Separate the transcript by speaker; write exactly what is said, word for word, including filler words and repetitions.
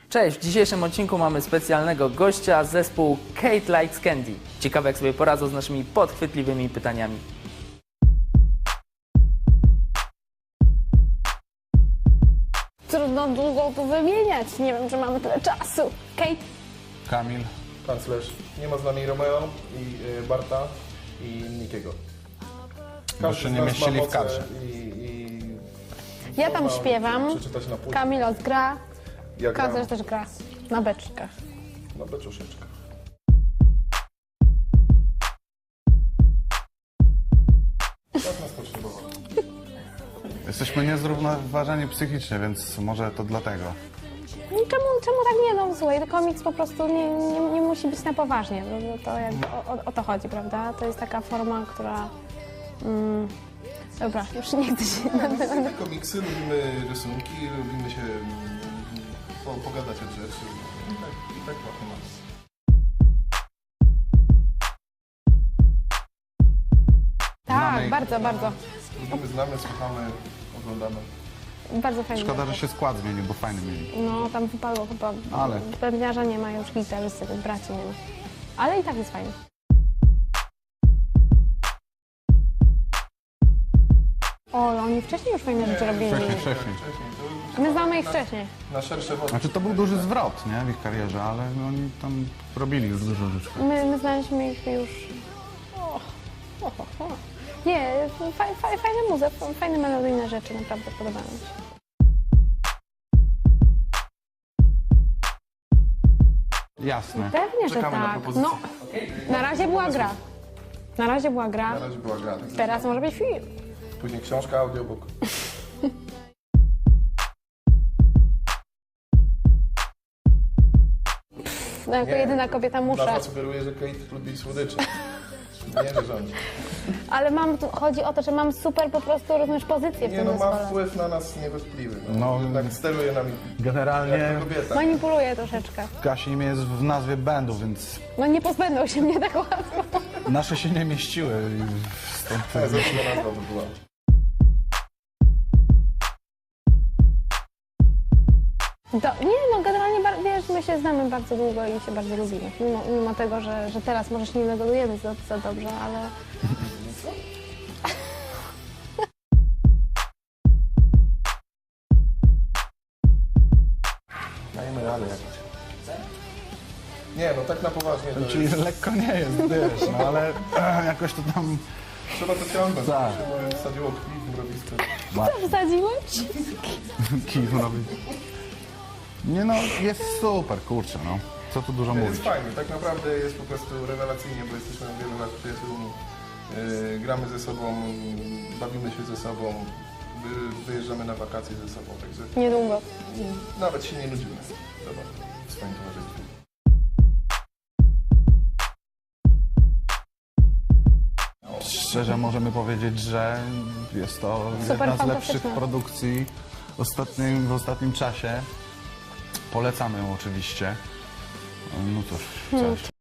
Speaker 1: Cześć, w dzisiejszym odcinku mamy specjalnego gościa, zespół Kate Likes Candy. Ciekawe, jak sobie poradzą z naszymi podchwytliwymi pytaniami.
Speaker 2: Trudno długo tu wymieniać. Nie wiem, czy mamy tyle czasu. Kate?
Speaker 3: Kamil.
Speaker 4: Kanclerz. Nie ma z nami Romeo i y, Barta i Nikiego.
Speaker 3: Bo
Speaker 4: Każdy
Speaker 3: się
Speaker 4: z
Speaker 3: nie
Speaker 4: nas
Speaker 3: mieścili
Speaker 4: ma
Speaker 3: w
Speaker 4: moce
Speaker 3: kadrze.
Speaker 4: I, i
Speaker 2: Ja tam
Speaker 4: można
Speaker 2: śpiewam.
Speaker 4: przeczytać na płycie.
Speaker 2: Kamil odgra.
Speaker 4: Ja gram
Speaker 2: Kazesz też gra. Na beczkach.
Speaker 4: na beczuszeczkach. Tak nas potrzebował.
Speaker 3: Jesteśmy niezrównoważeni psychicznie, więc może to dlatego.
Speaker 2: No i czemu, czemu tak nie? No słuchaj, komiks po prostu nie, nie, nie musi być na poważnie. No, no to jakby o, o, o to chodzi, prawda? To jest taka forma, która... Mm, dobra, już nie chcę się...
Speaker 4: Lubimy komiksy, lubimy rysunki, lubimy się mm, po, pogadać o rzeczy. I tak, i tak trochę mamy.
Speaker 2: Tak,
Speaker 3: Znamy-
Speaker 2: bardzo, bardzo.
Speaker 4: Lubimy, znamy, słuchamy, oglądamy.
Speaker 2: Bardzo fajnie.
Speaker 3: Szkoda, że się skład zmienił, bo fajny mieli.
Speaker 2: No, tam wypadło chyba...
Speaker 3: Ale-
Speaker 2: Pewniarza nie ma, już gitarzysty, tych braci nie ma. Ale i tak jest fajnie. O, oni wcześniej już fajne rzeczy robili.
Speaker 3: Wcześniej, wcześniej.
Speaker 4: Wcześniej to
Speaker 2: My znamy ich wcześniej.
Speaker 4: na szersze wody.
Speaker 3: Znaczy to był duży zwrot, nie, w ich karierze, ale oni tam robili już dużo rzeczy.
Speaker 2: My, my znaliśmy ich już... O, o, o, o. Nie, faj, faj, fajne muzy, fajne melodyjne rzeczy, naprawdę podobają mi się.
Speaker 3: Jasne.
Speaker 2: Pewnie, że
Speaker 4: Czekamy na
Speaker 2: tak.
Speaker 4: propozycje.
Speaker 2: No, na razie była gra. Na razie była gra,
Speaker 4: Na razie była gra.
Speaker 2: teraz może być film.
Speaker 4: Później książka, audiobook.
Speaker 2: No, jako
Speaker 4: Nie,
Speaker 2: jedyna kobieta muszę.
Speaker 4: Nazwa sugeruje, że Kate lubi słodycze. Nie, że rządzi.
Speaker 2: Ale mam, tu- chodzi o to, że mam super po prostu, rozumiesz, pozycję w
Speaker 4: Nie
Speaker 2: tym
Speaker 4: no, ma
Speaker 2: zespole.
Speaker 4: wpływ na nas niewątpliwy. No,
Speaker 3: No.
Speaker 4: Jednak steruje nami
Speaker 3: Generalnie
Speaker 4: jak to kobieta.
Speaker 2: Manipuluję troszeczkę.
Speaker 3: Kasi imię jest w nazwie bandu, więc
Speaker 2: No nie pozbędą się mnie tak łatwo.
Speaker 3: nasze się nie mieściły. i Stąd
Speaker 4: Tak, zawsze nazwa by była.
Speaker 2: To, nie, no generalnie, bar- wiesz, my się znamy bardzo długo i się bardzo lubimy. Mimo, mimo tego, że, że teraz może się nie dogadujemy za, za dobrze, ale...
Speaker 4: Dajmy radę jakoś. Nie no, tak na poważnie to
Speaker 3: Czyli
Speaker 4: jest...
Speaker 3: lekko nie jest, wiesz, no ale e, jakoś to tam...
Speaker 4: Trzeba to ciągnąć.
Speaker 3: Tak.
Speaker 4: Tak. Się wsadziło krwi w mrowisko.
Speaker 2: Co wsadziłeś?
Speaker 3: Kij robi. Nie no, jest super, kurczę, no. Co tu dużo mówić.
Speaker 4: Jest fajnie, tak naprawdę jest po prostu rewelacyjnie, bo jesteśmy od wielu lat przyjaciółmi. Yy, gramy ze sobą, bawimy się ze sobą, wy, wyjeżdżamy na wakacje ze sobą, także
Speaker 2: Niedługo.
Speaker 4: nawet się nie nudzimy. Zobacz, w swoim towarzystwie.
Speaker 3: Szczerze możemy powiedzieć, że jest to
Speaker 2: Super
Speaker 3: jedna z
Speaker 2: fantastyczne.
Speaker 3: lepszych produkcji ostatnim, w ostatnim czasie. Polecamy ją oczywiście. No cóż, coś.